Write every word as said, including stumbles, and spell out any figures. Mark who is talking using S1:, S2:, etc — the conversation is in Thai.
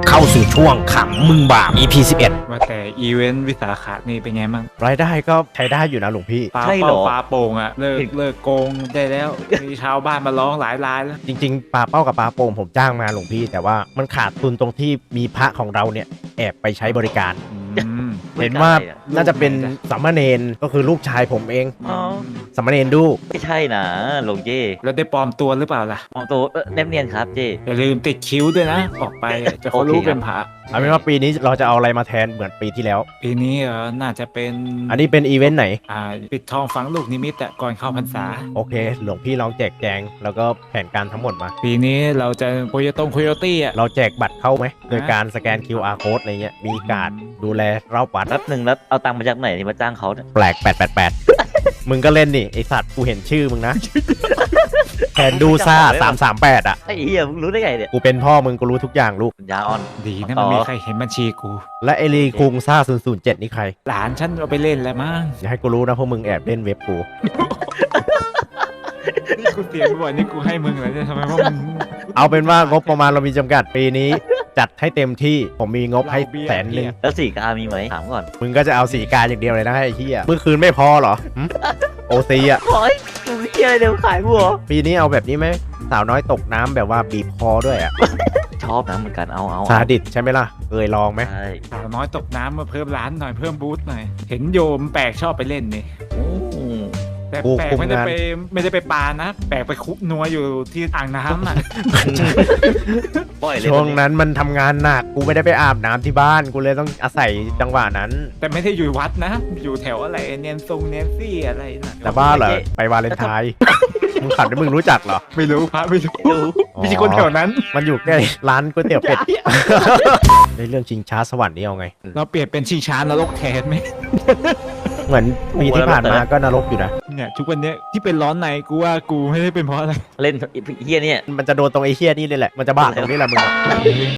S1: เข้าสู่ช่วงขำมึงบาป อี พี สิบเอ็ด
S2: ว่าแต่อีเวนต์วิสาขะนี่เป็นไงมั่ง
S1: รายได้ก็ใช้ได้อยู่นะหลวงพี่
S2: ปลา
S3: ใช่เหร
S2: เป้า
S3: อ
S2: ปลาโป่งอะเลิกเลิกโกงได้แล้วมีชาวบ้านมาร้องหลายรายแล้ว
S1: จริงๆปลาเป้ากับปลาโป่งผมจ้างมาหลวงพี่ แต่ว่ามันขาดทุนตรงที่มีพระของเราเนี่ยแอบไปใช้บริการ
S2: อืม
S1: เห็นว่า
S3: ไม่ใช่อะ
S1: น่าจะเป็นสามเณรก็คือลูกชายผมเอง
S3: อ๋อ
S1: สามเณรดู
S3: ไม่ใช่นะหลวงเจ้
S2: แล้วได้ปลอมตัวหรือเปล่าล่ะ
S3: มองตัวเอ่อแนบเนียนครับเจ้
S2: อย่าลืมติดคิ้วด้วยนะ ออกไปอะจะเขารู้
S3: โอเคครับ
S2: เป็นพระ
S1: เอาเป็นว่าปีนี้เราจะเอาอะไรมาแทนเหมือนปีที่แล้ว
S2: ปีนี้เออน่าจะเป็น
S1: อันนี้เป็นอีเวนต์ไหน
S2: อ่าปิดทองฝังลูกนิมิตอะก่อนเข้าพรรษา
S1: โอเค หลวงพี่ลองแจกแจง แล้วก็แผนการทั้งหมดมา
S2: ปีนี้เราจะโคโยตงโคโยตี้อะ
S1: เราแจกบัตรเข้าไหม โดยการสแกน คิว อาร์ code อะไรเงี้ย มีการดดูแลเล่าปัด
S3: แป๊บหนึ่งแล้วเอาตังค์มาจากไหนที่มาจ้างเขาเนี่ย
S1: แปลกแปดแปดแปด มึงก็เล่นนี่ไอสัตว์กูเห็นชื่อมึงนะ แผนดูซ่าสามสามแปดอ่ะ
S3: ไอ้เหี้ยมึงรู้ได้ไงเนี่ย
S1: กูเป็นพ่อมึงกูรู้ทุกอย่างลูก
S3: ปัญญาอ่อน
S2: ดีนะ
S3: ต่
S2: มัน
S3: อ
S2: มีใครเห็นบัญชีกู
S1: และไอรีคุงซ่าศูนย์ศูนย์เจ็ดนี่ใคร
S2: หลานฉันเอาไปเล่นแล้วมั้ง
S1: อย่าให้กูรู้นะพวกมึงแอบเล่นเว็บกู
S2: นี่กูเสียบ่อยนี่กูให้มึงเลยเนี่ยทำไมว่ามึง
S1: เอาเป็นว่างบประมาณเรามีจำกัดปีนี้ จัดให้เต็มที่ผมมีงบให้แสนหนึ่ง
S3: แล้วสี่กามีไหมถามก่อน
S1: มึงก็จะเอาสีการอย่างเดียวเลยนะไอ้เหี้ยเมื่อคืนไม่พอเหรอหึโอซีอ่ะ
S3: โอ้ยมึงเหี้ยอะไรเดี๋ยวขายบัว
S1: ปีนี้เอาแบบนี้ไหมสาวน้อยตกน้ำแบบว่าบีบคอด้วยอ่ะ
S3: ชอบนะเหมือนกันเอาเอา
S1: ซาดิสใช่ไหมล่ะเคยลองไหม
S3: ใช่
S2: สาวน้อยตกน้ำมาเพิ่มร้านหน่อยเพิ่มบูธหน่อย เห็นโยมแปลกชอบไปเล่นนี่
S3: อืม
S2: แต่
S1: กู
S2: แปลก
S1: คุม
S2: ไม่ได้
S1: งาน
S2: ไปไม่ได้ไปปลานะ แปลกไปคุกนัวอยู่ที่อ่างน้ำอ่ะ
S3: ปล่อยเลย
S1: ช่วงนั้นมันทำงานหนักกูไม่ได้ไปอาบน้ำที่บ้านกูเลยต้องอาศัยจังหวะนั้น
S2: แต่ไม่ได้อยู่วัดนะ อยู่แถวอะไรเนียนทรงเนียนซี่อะไรน่ะ
S1: แต่บ้าเหรอไปวาเลนไทน์มึงขับได้มึงรู้จักเหรอ
S2: ไม่รู้พระไม่รู้
S3: ดู
S2: ไม่ใช่คนแถวนั้น
S1: มันอยู่ใกล้ร้านก๋วยเตี๋ยวเป็ดในเรื่องชิงช้าสวรรค์นี่เอาไง
S2: เราเปลี่ยนเป็นชิงช้านรกแทนไหม
S1: เหมือนปีที่ผ่านมาก็นรกอยู่นะ
S2: เนี่ยทุกวันเนี้ยที่เป็นร้อนในกูว่ากูไม่ได้เป็นเพราะอะไร
S3: เล่นเฮียเนี่ย
S1: มันจะโดนตรงไอ้เชี่ยนี่เลยแหละมันจะบ้าตรงนี้แหละมึงอะ